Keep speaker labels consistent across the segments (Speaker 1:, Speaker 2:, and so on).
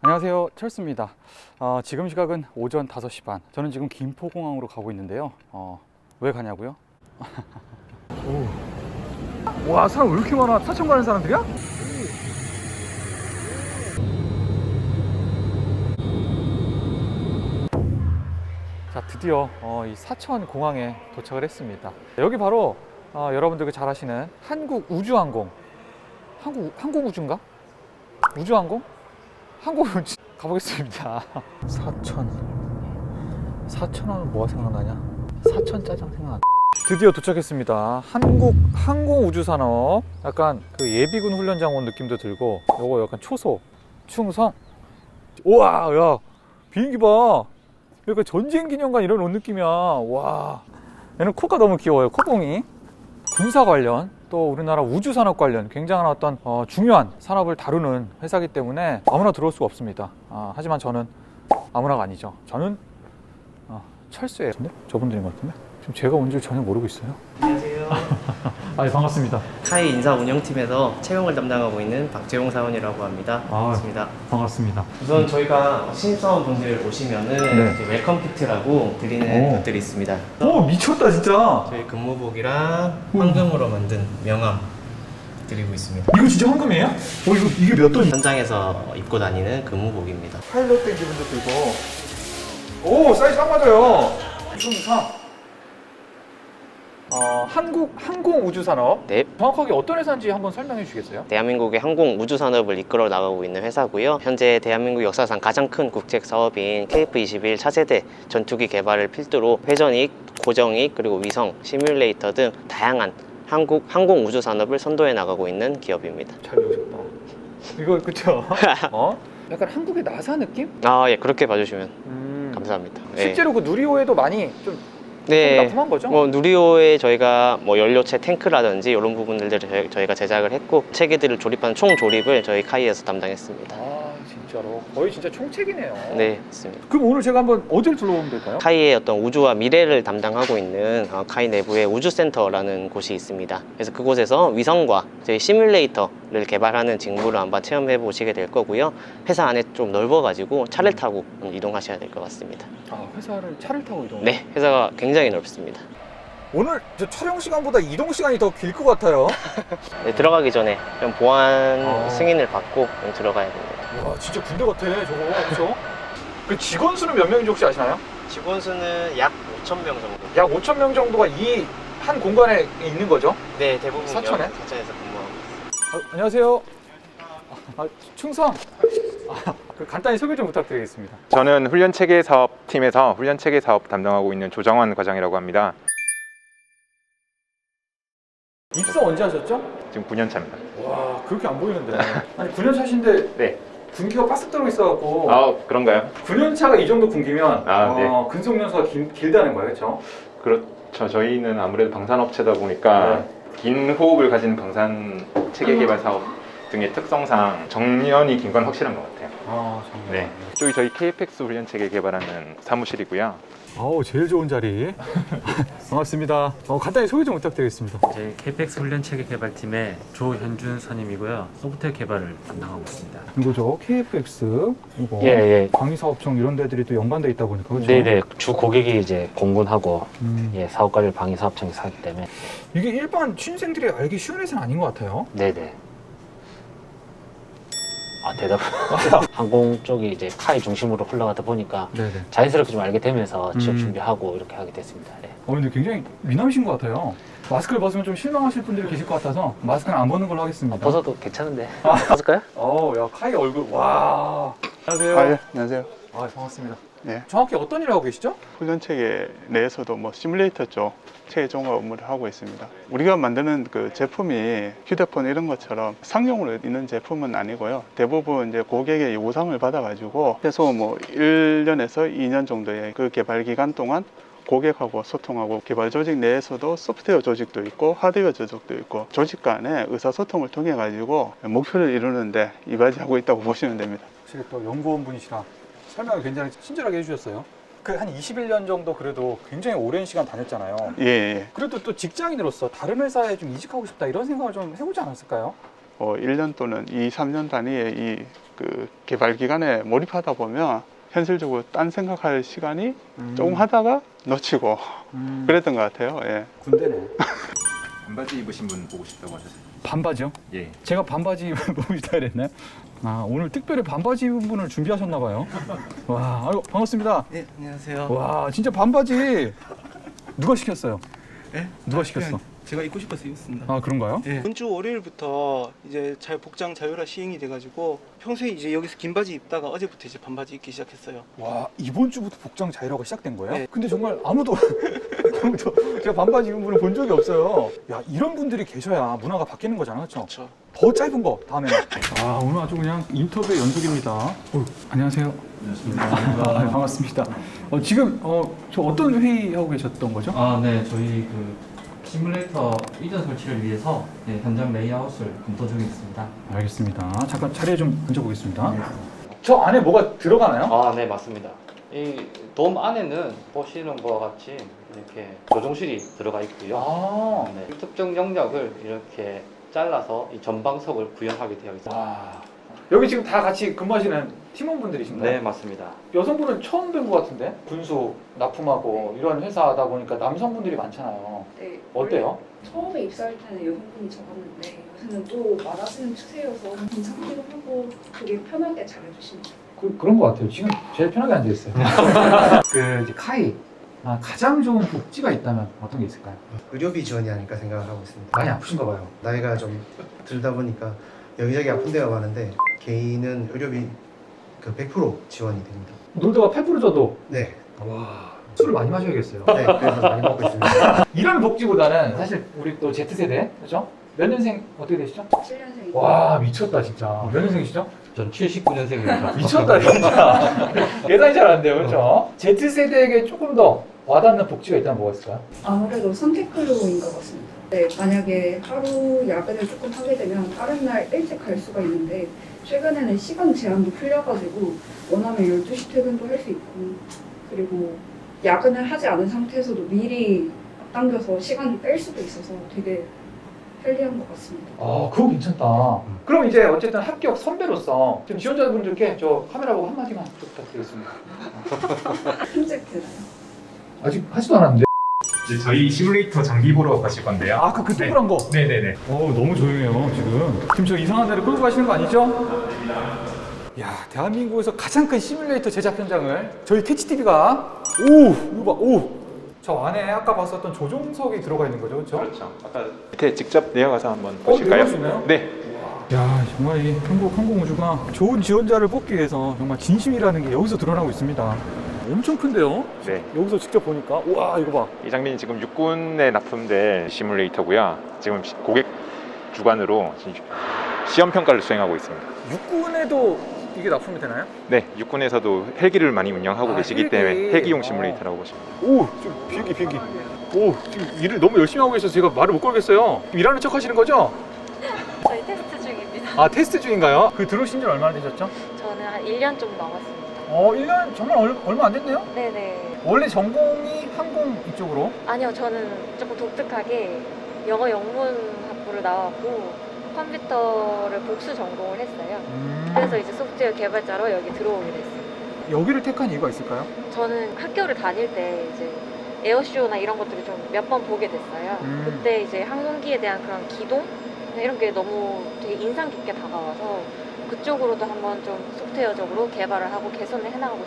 Speaker 1: 안녕하세요, 철수입니다. 지금 시각은 오전 5시 반. 저는 지금 김포공항으로 가고 있는데요. 왜 가냐고요? 와, 사람 왜 이렇게 많아? 사천 가는 사람들이야? 자, 드디어 이 사천 공항에 도착을 했습니다. 여기 바로 여러분들 잘 아시는 한국우주항공. 한국우주인가? 우주항공? 한국우주 가보겠습니다. 사천하면 뭐가 생각나냐? 사천 짜장 생각나. 드디어 도착했습니다. 한국항공우주산업. 약간 그 예비군 훈련장 온 느낌도 들고, 요거 약간 초소, 충성. 우와, 야, 비행기 봐. 약간 전쟁기념관 이런 온 느낌이야. 와, 얘는 코가 너무 귀여워요. 코봉이. 군사 관련, 또 우리나라 우주산업 관련 굉장한 어떤 중요한 산업을 다루는 회사이기 때문에 아무나 들어올 수가 없습니다. 하지만 저는 아무나가 아니죠. 저는 철수예요. 근데 저분들인 것 같은데? 지금 제가 온 줄 전혀 모르고 있어요.
Speaker 2: 안녕하세요.
Speaker 1: 반갑습니다.
Speaker 2: 카이 인사 운영팀에서 채용을 담당하고 있는 박재용 사원이라고 합니다. 반갑습니다.
Speaker 1: 반갑습니다.
Speaker 2: 우선 저희가 신입사원분들 오시면은
Speaker 1: 네.
Speaker 2: 이제 웰컴 키트라고 드리는 것들이 있습니다.
Speaker 1: 오, 미쳤다 진짜.
Speaker 2: 저희 근무복이랑 황금으로 만든 명함 드리고 있습니다.
Speaker 1: 이거 진짜 황금이에요? 이게 몇 돈?
Speaker 2: 현장에서 입고 다니는 근무복입니다.
Speaker 1: 파일럿 된 기분도 들고. 오, 사이즈 딱 맞아요. 2.3. 한국항공우주산업.
Speaker 2: 네.
Speaker 1: 정확하게 어떤 회사인지 한번 설명해 주시겠어요?
Speaker 2: 대한민국의 항공 우주 산업을 이끌어 나가고 있는 회사고요. 현재 대한민국 역사상 가장 큰 국책 사업인 KF-21 차세대 전투기 개발을 필두로 회전익, 고정익, 그리고 위성, 시뮬레이터 등 다양한 한국 항공 우주 산업을 선도해 나가고 있는 기업입니다.
Speaker 1: 잘 배우셨다. 이거 그쵸? 약간 한국의 나사 느낌?
Speaker 2: 예, 그렇게 봐주시면 감사합니다.
Speaker 1: 실제로 그 누리호에도 많이 좀
Speaker 2: 네,
Speaker 1: 납품한 거죠?
Speaker 2: 누리호에 저희가 연료체 탱크라든지 이런 부분들을 저희가 제작을 했고 체계들을 조립하는 총 조립을 저희 카이에서 담당했습니다.
Speaker 1: 진짜로 거의 진짜 총책이네요.
Speaker 2: 네, 맞습니다.
Speaker 1: 그럼 오늘 제가 한번 어디를 둘러보면 될까요?
Speaker 2: 카이의 어떤 우주와 미래를 담당하고 있는 카이 내부에 우주센터라는 곳이 있습니다. 그래서 그곳에서 위성과 저희 시뮬레이터를 개발하는 직무를 한번 체험해 보시게 될 거고요. 회사 안에 좀 넓어가지고 차를 타고 이동하셔야 될 것 같습니다.
Speaker 1: 회사를 차를 타고 이동?
Speaker 2: 네, 회사가 굉장히 넓습니다.
Speaker 1: 오늘 저 촬영 시간보다 이동 시간이 더 길 것 같아요.
Speaker 2: 네, 들어가기 전에 좀 보안 승인을 받고 좀 들어가야 됩니다.
Speaker 1: 와, 진짜 군대 같아 저거. 그렇죠? 그 직원 수는 몇 명인지 혹시 아시나요?
Speaker 2: 직원 수는 약 5,000명 정도.
Speaker 1: 약 5,000명 정도가 이 한 공간에 있는 거죠?
Speaker 2: 네, 대부분
Speaker 1: 사천에?
Speaker 2: 사천에서 근무하고 있습니다.
Speaker 1: 안녕하세요. 충성. 간단히 소개 좀 부탁드리겠습니다.
Speaker 3: 저는 훈련체계 사업팀에서 훈련체계 사업 담당하고 있는 조정환 과장이라고 합니다.
Speaker 1: 입사 언제 하셨죠?
Speaker 3: 지금 9년 차입니다.
Speaker 1: 와, 그렇게 안 보이는데. 아니 9년 차신데
Speaker 3: 네.
Speaker 1: 군기가 바싹 들어 있어갖고.
Speaker 3: 그런가요?
Speaker 1: 9년 차가 이 정도 군기면
Speaker 3: 네.
Speaker 1: 근속연수가 길다는 거예요, 그렇죠?
Speaker 3: 그렇죠. 저희는 아무래도 방산업체다 보니까 긴 호흡을 가진 방산 체계 개발 사업 등의 특성상 정년이 긴 건 확실한 것 같아요.
Speaker 1: 정말.
Speaker 3: 네. 이쪽이 저희 KFX 훈련 체계 개발하는 사무실이고요.
Speaker 1: 제일 좋은 자리. 반갑습니다. 간단히 소개 좀 부탁드리겠습니다.
Speaker 4: 저희 KPX 훈련체계 개발팀의 조현준 선임이고요. 소프트웨어 개발을 담당하고 있습니다.
Speaker 1: 이거죠, KFX. 이거.
Speaker 4: 예.
Speaker 1: 방위사업청 이런 데들이 또 연관돼 있다 보니까 그렇죠?
Speaker 4: 네네. 주 고객이 이제 공군하고
Speaker 1: 음.
Speaker 4: 사업관리를 방위사업청에서 하기 때문에.
Speaker 1: 이게 일반 취준생들이 알기 쉬운 회사는 아닌 것 같아요.
Speaker 4: 네네. 대답. 항공 쪽이 이제 카이 중심으로 흘러가다 보니까
Speaker 1: 네네.
Speaker 4: 자연스럽게 좀 알게 되면서 취업
Speaker 1: 음.
Speaker 4: 준비하고 이렇게 하게 됐습니다. 네.
Speaker 1: 근데 굉장히 미남이신 것 같아요. 마스크를 벗으면 좀 실망하실 분들이 계실 것 같아서 마스크는 안 벗는 걸로 하겠습니다.
Speaker 4: 벗어도 괜찮은데. 벗을까요?
Speaker 1: 야, 카이 얼굴. 와. 안녕하세요.
Speaker 5: 예, 안녕하세요.
Speaker 1: 반갑습니다.
Speaker 5: 네.
Speaker 1: 정확히 어떤 일을 하고 계시죠?
Speaker 5: 훈련체계 내에서도 시뮬레이터 쪽 체계종합 업무를 하고 있습니다. 우리가 만드는 그 제품이 휴대폰 이런 것처럼 상용으로 있는 제품은 아니고요. 대부분 이제 고객의 요구사항을 받아가지고 최소 1년에서 2년 정도의 그 개발 기간 동안 고객하고 소통하고 개발 조직 내에서도 소프트웨어 조직도 있고 하드웨어 조직도 있고 조직 간의 의사소통을 통해 가지고 목표를 이루는데 이바지하고 있다고 보시면 됩니다.
Speaker 1: 확실히 또 연구원 분이시라 설명을 굉장히 친절하게 해주셨어요. 한 21년 정도 그래도 굉장히 오랜 시간 다녔잖아요.
Speaker 5: 예.
Speaker 1: 그래도 또 직장인으로서 다른 회사에 좀 이직하고 싶다 이런 생각을 좀 해보지 않았을까요?
Speaker 5: 1년 또는 2, 3년 단위의 이 그 개발 기간에 몰입하다 보면 현실적으로 딴 생각할 시간이 조금 하다가 놓치고 그랬던 것 같아요. 예.
Speaker 1: 군대네.
Speaker 3: 반바지 입으신 분 보고 싶다고 하셨어요.
Speaker 1: 반바지요?
Speaker 3: 예.
Speaker 1: 제가 반바지 보고 싶다 그랬나요? 아, 오늘 특별히 반바지 입은 분을 준비하셨나 봐요. 와, 아이고, 반갑습니다.
Speaker 6: 네, 안녕하세요.
Speaker 1: 와, 진짜 반바지 누가 시켰어요?
Speaker 6: 네?
Speaker 1: 누가 시켰어?
Speaker 6: 제가 입고 싶어서 입었습니다.
Speaker 1: 아, 그런가요?
Speaker 6: 네. 이번 주 월요일부터 이제 복장 자율화 시행이 돼가지고 평소에 이제 여기서 긴 바지 입다가 어제부터 이제 반바지 입기 시작했어요.
Speaker 1: 와, 이번 주부터 복장 자율화가 시작된 거예요?
Speaker 6: 네.
Speaker 1: 근데 정말 아무도 제가 반바지 입은 분을 본 적이 없어요. 야, 이런 분들이 계셔야 문화가 바뀌는 거잖아, 그렇죠?
Speaker 6: 그렇죠.
Speaker 1: 더 짧은 거 다음에는. 아, 오늘 아주 그냥 인터뷰의 연속입니다. 안녕하세요. 안녕하십니까. 반갑습니다. 지금 저 어떤 회의 하고 계셨던 거죠?
Speaker 4: 아, 네, 저희 그 시뮬레이터 이전 설치를 위해서 네, 현장 레이아웃을 검토 중에 있습니다.
Speaker 1: 알겠습니다. 잠깐 자리에 좀 앉아보겠습니다. 저 안에 뭐가 들어가나요?
Speaker 7: 아, 네, 맞습니다. 이 돔 안에는 보시는 것과 같이 이렇게 조종실이 들어가 있고요.
Speaker 1: 아,
Speaker 7: 네, 특정 영역을 이렇게 잘라서 이 전방석을 구현하게 되어 있습니다.
Speaker 1: 와. 여기 지금 다 같이 근무하시는 팀원분들이신가요?
Speaker 7: 네, 맞습니다.
Speaker 1: 여성분은 처음 뵌 것 같은데? 군수, 납품하고 이런 회사다 보니까 남성분들이 많잖아요.
Speaker 8: 네,
Speaker 1: 어때요?
Speaker 8: 처음에 입사할 때는 여성분이 적었는데 요새는 또 많아지는 추세여서 괜찮기도 하고 되게 편하게 잘해주십니다.
Speaker 1: 그런 것 같아요. 지금 제일 편하게 앉아있어요. 그 이제 카이, 가장 좋은 복지가 있다면 어떤 게 있을까요?
Speaker 9: 의료비 지원이 아닐까 생각을 하고 있습니다.
Speaker 1: 많이 아프신가 봐요.
Speaker 9: 나이가 좀 들다 보니까 여기저기 아픈 데가 많은데 개인은 의료비 그 100% 지원이 됩니다.
Speaker 1: 놀다가 팔 부러져도
Speaker 9: 네,
Speaker 1: 와, 술을 많이 마셔야겠어요.
Speaker 9: 네 그래서 많이 먹고 있습니다.
Speaker 1: 이런 복지보다는 사실 우리 또 Z세대, 그렇죠? 몇 년생 어떻게 되시죠?
Speaker 8: 7년생이고
Speaker 1: 와, 미쳤다 진짜. 몇 년생이시죠?
Speaker 7: 전 79년생입니다.
Speaker 1: 미쳤다 진짜. 예상이 잘 안 돼요, 그렇죠? Z세대에게 조금 더 와닿는 복지가 있다면 뭐가 있을까요?
Speaker 8: 아무래도 선택근로인 것 같습니다. 네, 만약에 하루 야근을 조금 하게 되면 다른 날 일찍 갈 수가 있는데 최근에는 시간 제한도 풀려가지고 원하면 12시 퇴근도 할 수 있고 그리고 야근을 하지 않은 상태에서도 미리 앞당겨서 시간을 뺄 수도 있어서 되게 편리한 것 같습니다.
Speaker 1: 아, 그거 괜찮다. 그럼 이제 어쨌든 합격 선배로서 좀 지원자분들께 저 카메라 보고 한마디만 부탁드리겠습니다.
Speaker 8: 편집되나요?
Speaker 1: 아직 하지도 않았는데.
Speaker 3: 이제 저희 시뮬레이터 장비 보러 가실 건데요.
Speaker 1: 아, 그 동그란 거.
Speaker 3: 네네네.
Speaker 1: 너무 조용해요 지금 저 이상한 데를 끌고 가시는 거 아니죠? 야, 대한민국에서 가장 큰 시뮬레이터 제작 현장을 저희 캐치TV가 이거 봐, 저 안에 아까 봤었던 조종석이 들어가 있는 거죠, 그렇죠?
Speaker 3: 그렇죠. 아까 밑에 직접 내려가서 한번 보실까요?
Speaker 1: 내려갈 수 있나요?
Speaker 3: 네.
Speaker 1: 야, 정말 이 한국 항공우주가 좋은 지원자를 뽑기 위해서 정말 진심이라는 게 여기서 드러나고 있습니다. 엄청 큰데요?
Speaker 3: 네.
Speaker 1: 여기서 직접 보니까 우와, 이거 봐.
Speaker 3: 이 장비는 지금 육군에 납품된 시뮬레이터고요. 지금 고객 주관으로 시험 평가를 수행하고 있습니다.
Speaker 1: 육군에도 이게 납품이 되나요?
Speaker 3: 네, 육군에서도 헬기를 많이 운영하고 계시기
Speaker 1: 헬기.
Speaker 3: 때문에 헬기용 시뮬레이터라고 보시면 돼요.
Speaker 1: 오, 지금 비행기. 지금 일을 너무 열심히 하고 계셔서 제가 말을 못 걸겠어요. 일하는 척 하시는 거죠?
Speaker 10: 저희 테스트 중입니다.
Speaker 1: 아, 테스트 중인가요? 들어오신 지 얼마나 되셨죠?
Speaker 10: 저는 한 1년 좀 넘었습니다.
Speaker 1: 1년 정말 얼마 안 됐네요?
Speaker 10: 네네.
Speaker 1: 원래 전공이 항공 이쪽으로?
Speaker 10: 아니요, 저는 조금 독특하게 영어 영문학부를 나왔고 컴퓨터를 복수 전공을 했어요. 그래서 이제 소프트웨어 개발자로 여기 들어오게 됐어요.
Speaker 1: 여기를 택한 이유가 있을까요?
Speaker 10: 저는 학교를 다닐 때 이제 에어쇼나 이런 것들을 좀 몇 번 보게 됐어요. 그때 이제 항공기에 대한 그런 기동 이런 게 너무 되게 인상 깊게 다가와서 그쪽으로도 한번 좀 소프트웨어적으로 개발을 하고 개선을 해나가고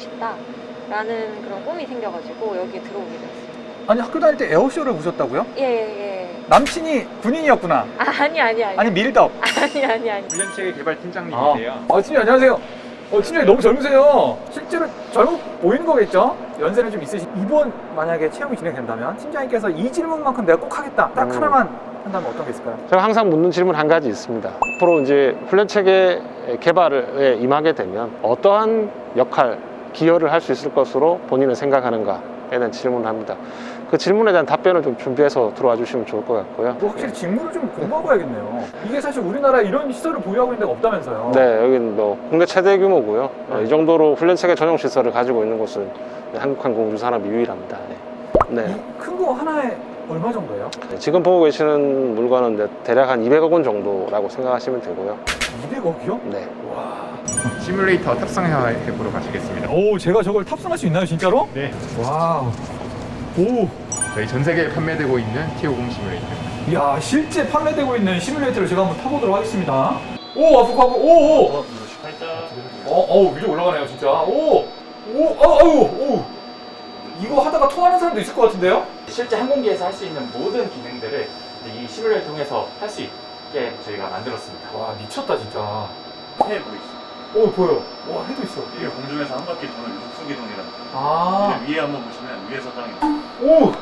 Speaker 10: 싶다라는 그런 꿈이 생겨가지고 여기에 들어오게 됐어요.
Speaker 1: 아니, 학교 다닐 때 에어쇼를 보셨다고요?
Speaker 10: 예.
Speaker 1: 남친이 군인이었구나. 아니 밀덕.
Speaker 10: 아니.
Speaker 3: 훈련체계 개발 팀장님이세요.
Speaker 1: 팀장님 안녕하세요. 팀장님 너무 젊으세요. 실제로 젊어 보이는 거겠죠? 연세는 좀 있으시. 이번 만약에 채용이 진행된다면 팀장님께서 이 질문만큼 내가 꼭 하겠다. 딱 하나만 한다면 어떤 게 있을까요?
Speaker 11: 제가 항상 묻는 질문 한 가지 있습니다. 앞으로 이제 훈련체계 개발에 임하게 되면 어떠한 역할, 기여를 할 수 있을 것으로 본인은 생각하는가에 대한 질문을 합니다. 그 질문에 대한 답변을 좀 준비해서 들어와 주시면 좋을 것 같고요.
Speaker 1: 확실히 직무를 좀 공부하고 가야겠네요. 이게 사실 우리나라에 이런 시설을 보유하고 있는 데가 없다면서요?
Speaker 11: 네, 여기는 뭐 국내 최대 규모고요. 이 정도로 훈련체계 전용 시설을 가지고 있는 곳은 한국항공우주산업이 유일합니다. 네.
Speaker 1: 큰 거 하나에 얼마 정도예요?
Speaker 11: 지금 보고 계시는 물건은 대략 한 200억 원 정도라고 생각하시면 되고요.
Speaker 1: 200억이요?
Speaker 11: 네.
Speaker 1: 와.
Speaker 3: 시뮬레이터 탑승해 보러 가시겠습니다.
Speaker 1: 오, 제가 저걸 탑승할 수 있나요, 진짜로?
Speaker 3: 네.
Speaker 1: 와우. 오.
Speaker 3: 저희 전 세계에 판매되고 있는 T50 시뮬레이터.
Speaker 1: 이야, 실제 판매되고 있는 시뮬레이터를 제가 한번 타보도록 하겠습니다. 오, 앞으로 오, 오. 위로 올라가네요, 진짜. 오, 오. 이거 하다가 토하는 사람도 있을 것 같은데요?
Speaker 12: 실제 항공기에서 할 수 있는 모든 기능들을 이 시뮬레이터를 통해서 할 수 있게 저희가 만들었습니다.
Speaker 1: 와, 미쳤다, 진짜.
Speaker 12: 해 보이시죠?
Speaker 1: 오, 보여. 와, 해도 있어.
Speaker 12: 이게 공중에서 한 바퀴 도는 육수기동이라는 거예요.
Speaker 1: 아.
Speaker 12: 위에 한번 보시면 위에서 땅이
Speaker 1: 오!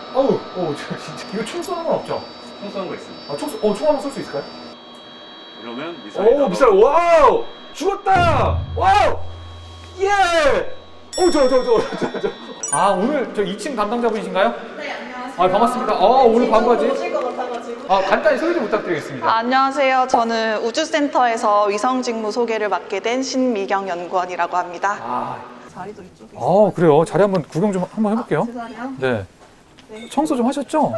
Speaker 1: 저 진짜. 이거 총 쏘는 건 없죠?
Speaker 12: 총 쏘는 거 있습니다.
Speaker 1: 아, 총 한번 쏠 수 있을까요?
Speaker 12: 이러면 미사일
Speaker 1: 오, 미사일, 와우! 죽었다! 와우! 예! 오, 저. 아, 오늘 저 2층 담당자분이신가요?
Speaker 13: 네, 안녕하세요.
Speaker 1: 아, 반갑습니다. 오늘 반바지.
Speaker 13: 오실 것 같아가지고.
Speaker 1: 간단히 소개 좀 부탁드리겠습니다.
Speaker 13: 안녕하세요. 저는 우주센터에서 위성직무 소개를 맡게 된 신미경 연구원이라고 합니다. 자리도 이쪽에 있어요.
Speaker 1: 그래요. 자리 한번 구경 좀 한번 해볼게요.
Speaker 13: 제 자리요?
Speaker 1: 네. 청소 좀 하셨죠?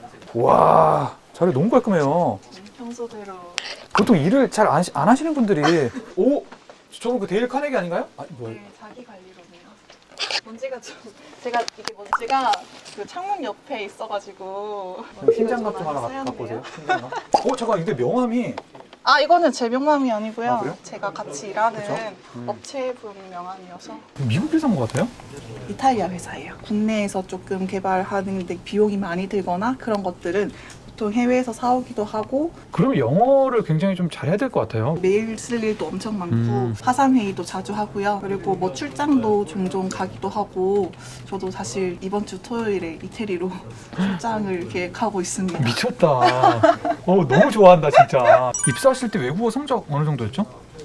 Speaker 1: 와, 자리 너무 깔끔해요.
Speaker 13: 평소대로.
Speaker 1: 보통 일을 잘 안 하시는 분들이 오, 저거 그 데일 카네기 아닌가요? 뭐야?
Speaker 13: 네, 자기 관리로네요. 먼지가 좀 제가 이게 먼지가 그 창문 옆에 있어가지고
Speaker 1: 팀장갑 좀 하나 갖고 오세요. 팀장갑. 잠깐, 근데 명함이
Speaker 13: 이거는 제 명함이 아니고요.
Speaker 1: 그래요?
Speaker 13: 제가 같이 일하는
Speaker 1: 그쵸?
Speaker 13: 업체분 명함이어서.
Speaker 1: 미국 회사인 것 같아요?
Speaker 13: 이탈리아 회사예요. 국내에서 조금 개발하는데 비용이 많이 들거나 그런 것들은 보통 해외에서 사오기도 하고.
Speaker 1: 그러면 영어를 굉장히 좀 잘해야 될 것 같아요.
Speaker 13: 메일 쓸 일도 엄청 많고 화상 회의도 자주 하고요. 그리고 뭐 출장도 종종 가기도 하고. 저도 사실 이번 주 토요일에 이태리로 출장을 계획하고 있습니다.
Speaker 1: 미쳤다. 너무 좋아한다, 진짜. 입사하실 때 외국어 성적 어느 정도였죠?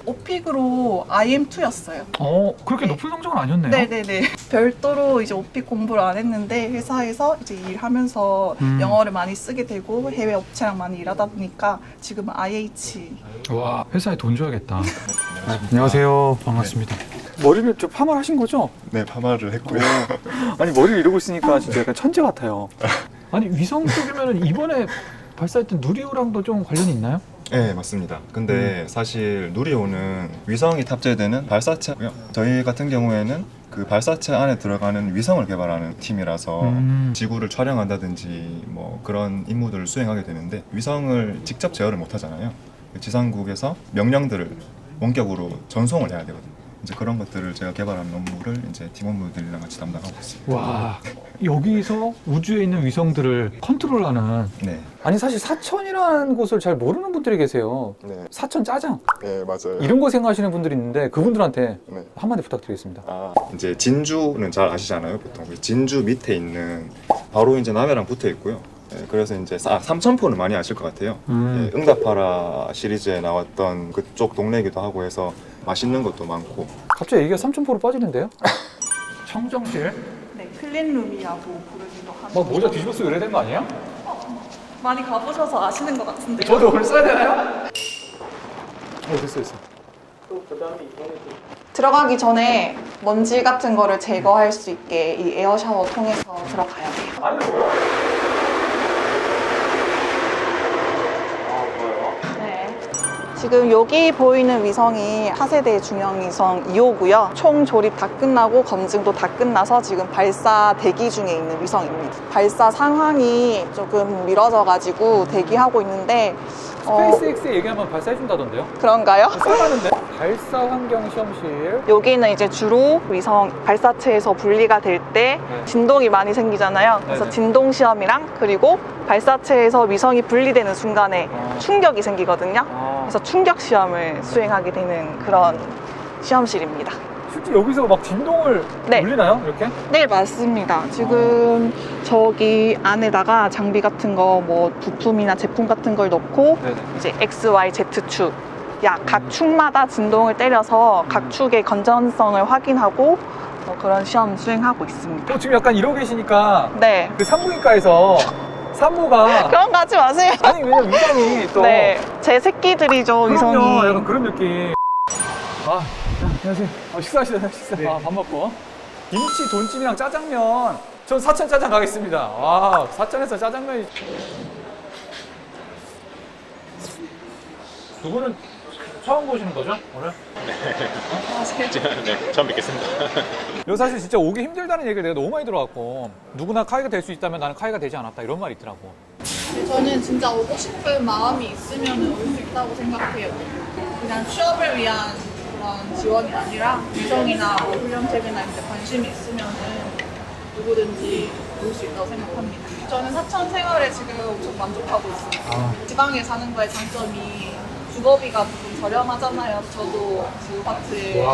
Speaker 13: 오픽으로 IM2였어요.
Speaker 1: 그렇게 높은 성적은 아니었네요.
Speaker 13: 네네네. 별도로 이제 오픽 공부를 안 했는데 회사에서 이제 일하면서 영어를 많이 쓰게 되고 해외 업체랑 많이 일하다 보니까 지금은 IH.
Speaker 1: 와, 회사에 돈 줘야겠다. 안녕하세요. 반갑습니다. 머리를 좀 파마를 하신 거죠?
Speaker 14: 네, 파마를 했고요.
Speaker 1: 아니, 머리를 이러고 있으니까 진짜 약간 천재 같아요. 아니, 위성 쪽이면 이번에 발사했던 누리호랑도 좀 관련이 있나요?
Speaker 14: 네, 맞습니다. 근데 사실 누리호는 위성이 탑재되는 발사체고요. 저희 같은 경우에는 그 발사체 안에 들어가는 위성을 개발하는 팀이라서 지구를 촬영한다든지 뭐 그런 임무들을 수행하게 되는데 위성을 직접 제어를 못 하잖아요. 지상국에서 명령들을 원격으로 전송을 해야 되거든요. 이제 그런 것들을 제가 개발한 업무를 이제 팀원분들이랑 같이 담당하고 있습니다.
Speaker 1: 와, 여기서 우주에 있는 위성들을 컨트롤하는.
Speaker 14: 네.
Speaker 1: 아니, 사실 사천이라는 곳을 잘 모르는 분들이 계세요.
Speaker 14: 네.
Speaker 1: 사천 짜장.
Speaker 14: 네, 맞아요.
Speaker 1: 이런 거 생각하시는 분들이 있는데 그분들한테
Speaker 14: 네.
Speaker 1: 한마디 부탁드리겠습니다.
Speaker 14: 이제 진주는 잘 아시잖아요, 보통. 진주 밑에 있는 바로 이제 남해랑 붙어 있고요. 네, 그래서 이제 삼천포는 많이 아실 것 같아요. 네, 응답하라 시리즈에 나왔던 그쪽 동네이기도 하고 해서 맛있는 것도 많고.
Speaker 1: 갑자기 얘기가 삼천포로 빠지는데요? 청정실?
Speaker 13: 네, 클린룸이라고 부르기도 하고.
Speaker 1: 막 모자 뒤집어 쓰고 이래야 되는 거 아니에요?
Speaker 13: 많이 가보셔서 아시는 것 같은데요.
Speaker 1: 저도 오늘 써야 되나요? 됐어.
Speaker 13: 들어가기 전에 먼지 같은 거를 제거할 수 있게 이 에어 샤워 통해서 들어가야 돼요. 네. 지금 여기 보이는 위성이 차세대 중형 위성 2호고요. 총 조립 다 끝나고 검증도 다 끝나서 지금 발사 대기 중에 있는 위성입니다. 발사 상황이 조금 미뤄져가지고 대기하고 있는데
Speaker 1: 스페이스X에 얘기하면 발사해준다던데요?
Speaker 13: 그런가요?
Speaker 1: 써가는데? 발사 환경 시험실.
Speaker 13: 여기는 이제 주로 위성 발사체에서 분리가 될 때 진동이 많이 생기잖아요. 그래서
Speaker 1: 네네.
Speaker 13: 진동 시험이랑 그리고 발사체에서 위성이 분리되는 순간에 충격이 생기거든요. 그래서 충격 시험을 수행하게 되는 그런 시험실입니다.
Speaker 1: 실제 여기서 막 진동을 울리나요? 이렇게?
Speaker 13: 네, 맞습니다. 지금 저기 안에다가 장비 같은 거 뭐 부품이나 제품 같은 걸 넣고 이제 X, Y, Z축 각 축마다 진동을 때려서 각 축의 건전성을 확인하고 그런 시험 수행하고 있습니다.
Speaker 1: 지금 약간 이러고 계시니까
Speaker 13: 네.
Speaker 1: 그 산부인과에서 산모가
Speaker 13: 그런 거 하지 마세요.
Speaker 1: 아니, 왜냐면 위성이 또
Speaker 13: 네, 제 새끼들이죠. 위성이.
Speaker 1: 그럼요, 약간 그런 느낌. 안녕하세요. 식사하시나요? 식사. 밥 먹고. 김치, 돈찜이랑 짜장면. 전 사천 짜장 가겠습니다. 와, 사천에서 짜장면이. 누구는 처음 보시는 거죠 오늘?
Speaker 3: 네, 처음 뵙겠습니다.
Speaker 1: 이거 사실 진짜 오기 힘들다는 얘기를 내가 너무 많이 들어왔고 누구나 카이가 될 수 있다면 나는 카이가 되지 않았다 이런 말이 있더라고.
Speaker 13: 저는 진짜 오고 싶은 마음이 있으면 올 수 있다고 생각해요. 그냥 취업을 위한 그런 지원이 아니라 위성이나 뭐 훈련책이나 이제 관심이 있으면은 누구든지 올 수 있다고 생각합니다. 저는 사천 생활에 지금 엄청 만족하고 있어요. 지방에 사는 거의 장점이 주거비가 조금 저렴하잖아요. 저도 그 아파트에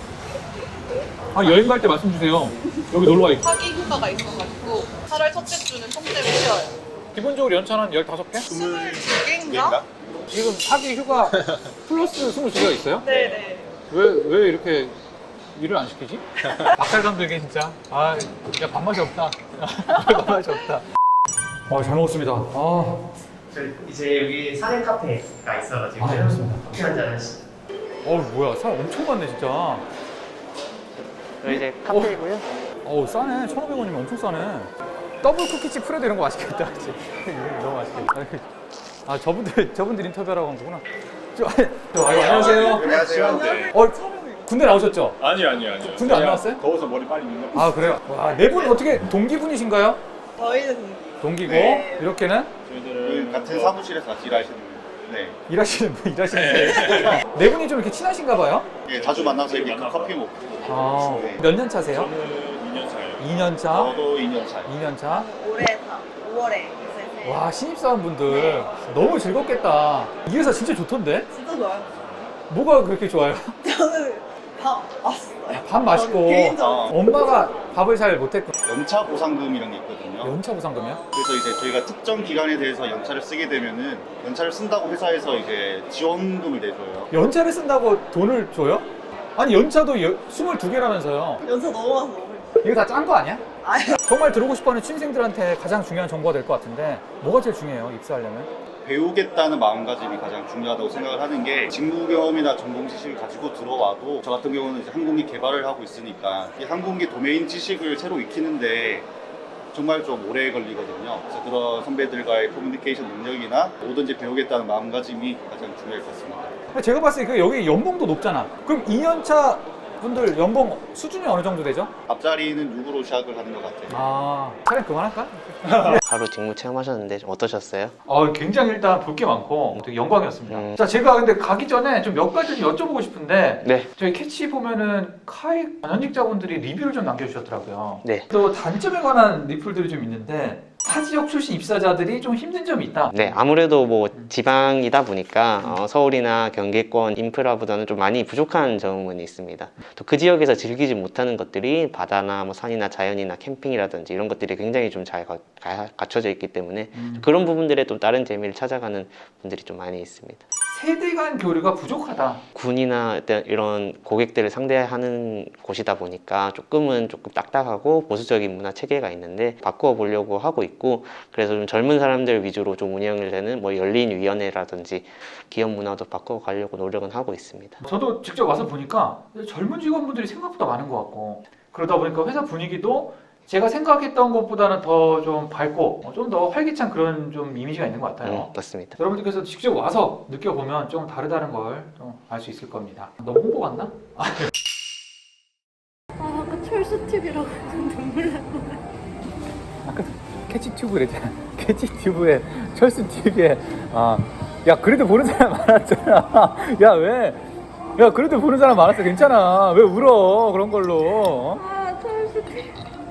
Speaker 1: 여행 갈 때 말씀 주세요. 여기 놀러 와 있고.
Speaker 13: 사기 휴가가 있어가지고 8월 첫째 주는 통째로 쉬어요.
Speaker 1: 기본적으로 연차는 15개?
Speaker 13: 22개인가?
Speaker 1: 지금 사기 휴가 플러스 22개가 있어요?
Speaker 13: 네네.
Speaker 1: 왜 이렇게 일을 안 시키지? 박살 감독이 진짜 야 밥맛이 없다. 밥맛이 없다. 잘 먹었습니다.
Speaker 2: 이제 여기 사진 카페가 있어가지고
Speaker 1: 그렇습니다.
Speaker 2: 커피 한잔 하시죠.
Speaker 1: 뭐야 사람 엄청 많네 진짜.
Speaker 2: 여기 이제 카페이고요.
Speaker 1: 싸네. 1,500원이면 엄청 싸네. 더블 쿠키칩 프레드 이런 거 맛있겠다. 그치? 너무 맛있겠다. 저분들 인터뷰하라고 한 거구나. 안녕하세요.
Speaker 3: 안녕하세요.
Speaker 1: 군대 나오셨죠?
Speaker 3: 아니요.
Speaker 1: 군대 안 나왔어요?
Speaker 3: 더워서 머리 빨리 밀려.
Speaker 1: 그래요? 네 분 어떻게 동기분이신가요?
Speaker 13: 저희는
Speaker 1: 동기고
Speaker 13: 네.
Speaker 1: 이렇게는?
Speaker 3: 저희들은 같은 사무실에서 같이 일하시는. 네.
Speaker 1: 일하시는데 네 분이 좀 이렇게 친하신가 봐요?
Speaker 3: 예, 자주 만나서 이렇게 커피 먹고. 네.
Speaker 1: 몇 년 차세요?
Speaker 3: 저는 2년 차예요.
Speaker 1: 2년 차?
Speaker 3: 저도 2년 차예요.
Speaker 1: 2년 차?
Speaker 13: 올해 5월에
Speaker 1: 와 신입사원분들 너무 즐겁겠다. 이 회사 진짜 좋던데?
Speaker 13: 진짜 좋아요.
Speaker 1: 뭐가 그렇게 좋아요?
Speaker 13: 저는 밥 맛있어요.
Speaker 1: 밥 맛있고
Speaker 13: 개인적으로.
Speaker 1: 엄마가 밥을 잘 못했고.
Speaker 3: 연차 보상금이란 게 있거든요.
Speaker 1: 연차 보상금이요?
Speaker 3: 그래서 이제 저희가 특정 기간에 대해서 연차를 쓰게 되면은 연차를 쓴다고 회사에서 이제 지원금을 내줘요.
Speaker 1: 연차를 쓴다고 돈을 줘요? 아니 연차도 22개라면서요.
Speaker 13: 연차 너무 많아서
Speaker 1: 이거 다 짠 거 아니야?
Speaker 13: 아니.
Speaker 1: 정말 들어오고 싶어하는 취준생들한테 가장 중요한 정보가 될 것 같은데 뭐가 제일 중요해요 입사하려면?
Speaker 3: 배우겠다는 마음가짐이 가장 중요하다고 생각을 하는 게 직무 경험이나 전공 지식을 가지고 들어와도 저 같은 경우는 이제 항공기 개발을 하고 있으니까 이 항공기 도메인 지식을 새로 익히는데 정말 좀 오래 걸리거든요. 그래서 그런 선배들과의 커뮤니케이션 능력이나 뭐든지 배우겠다는 마음가짐이 가장 중요할 것 같습니다.
Speaker 1: 제가 봤을 때 여기 연봉도 높잖아. 그럼 2년차 분들 연봉 수준이 어느 정도 되죠?
Speaker 3: 앞자리는 6으로 시작을 하는 것 같아요.
Speaker 1: 차라리 그만할까?
Speaker 2: 하루 직무 체험하셨는데 좀 어떠셨어요?
Speaker 1: 굉장히 일단 볼 게 많고 되게 영광이었습니다. 자, 제가 근데 가기 전에 좀 몇 가지 좀 여쭤보고 싶은데
Speaker 2: 네.
Speaker 1: 저희 캐치 보면은 카이 현직자분들이 리뷰를 좀 남겨주셨더라고요.
Speaker 2: 네.
Speaker 1: 또 단점에 관한 리플들이 좀 있는데 타 지역 출신 입사자들이 좀 힘든 점이 있다.
Speaker 2: 네, 아무래도 뭐 지방이다 보니까 서울이나 경기권 인프라보다는 좀 많이 부족한 점은 있습니다. 또 그 지역에서 즐기지 못하는 것들이 바다나 뭐 산이나 자연이나 캠핑이라든지 이런 것들이 굉장히 좀 잘 갖춰져 있기 때문에 그런 부분들에 또 다른 재미를 찾아가는 분들이 좀 많이 있습니다.
Speaker 1: 세대 간 교류가 부족하다.
Speaker 2: 군이나 이런 고객들을 상대하는 곳이다 보니까 조금 딱딱하고 보수적인 문화 체계가 있는데 바꾸어 보려고 하고 있고, 그래서 좀 젊은 사람들 위주로 좀 운영이 되는 뭐 열린 위원회라든지 기업 문화도 바꿔 가려고 노력은 하고 있습니다.
Speaker 1: 저도 직접 와서 보니까 젊은 직원분들이 생각보다 많은 것 같고, 그러다 보니까 회사 분위기도 제가 생각했던 것보다는 더 좀 밝고 좀 더 활기찬 그런 좀 이미지가 있는 것 같아요.
Speaker 2: 맞습니다.
Speaker 1: 여러분들께서 직접 와서 느껴보면 좀 다르다는 걸 좀 알 수 있을 겁니다. 너무 홍보 같나?
Speaker 15: 아까 철수TV라고 눈물 날 뻔해.
Speaker 1: 아까 캐치튜브 그랬잖아. 캐치튜브에 철수TV에 야 그래도 보는 사람 많았잖아. 야 왜? 야 그래도 보는 사람 많았어. 괜찮아. 왜 울어 그런 걸로?
Speaker 15: 철수TV.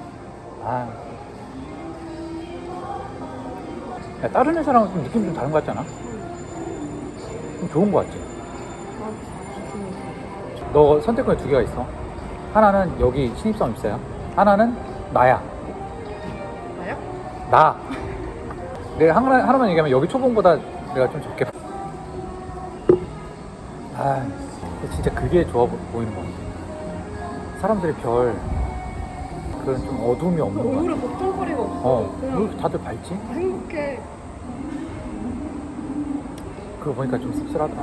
Speaker 1: 야, 다른 회사랑은 좀 느낌이 좀 다른 것 같지 않아? 좀 좋은 것 같지? 너 선택권이 2개가 있어. 하나는 여기 신입사원 입사야. 하나는 나야.
Speaker 15: 나요?
Speaker 1: 나. 내가 하나만 얘기하면 여기 초봉보다 내가 좀 적게. 진짜 그게 좋아 보이는 것 같아. 사람들이 그런 좀 어둠이 없는 것 같아.
Speaker 15: 얼굴에 걱정거리가 없어.
Speaker 1: 왜 다들 밝지?
Speaker 15: 행복해.
Speaker 1: 그거 보니까 좀 씁쓸하더라.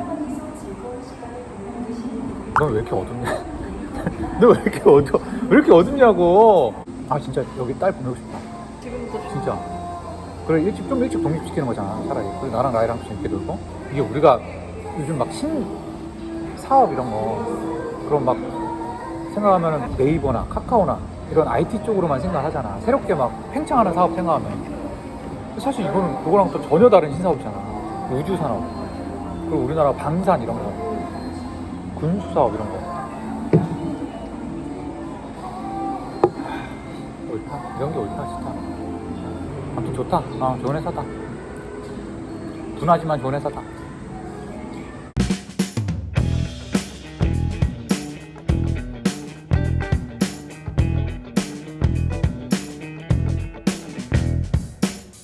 Speaker 1: 넌 왜 이렇게 어둡냐? 너 왜 이렇게 어두워? 왜 이렇게 어둡냐고? 진짜 여기 딸 보내고 싶다.
Speaker 15: 지금부터
Speaker 1: 진짜. 그래 좀 일찍 독립시키는 거잖아 차라리. 그리고 나랑 라이랑 재밌게 놀고. 이게 우리가 요즘 막 사업 이런 거 그럼 막 생각하면은 네이버나 카카오나 이런 IT 쪽으로만 생각하잖아. 새롭게 막 팽창하는 사업 생각하면 사실 이거는 그거랑 또 전혀 다른 신사업이잖아. 우주 산업 그리고 우리나라 방산 이런 거 군수 사업 이런 거 옳다. 이런 게 옳다 진짜. 아무튼 좋다. 좋은 회사다. 둔하지만 좋은 회사다.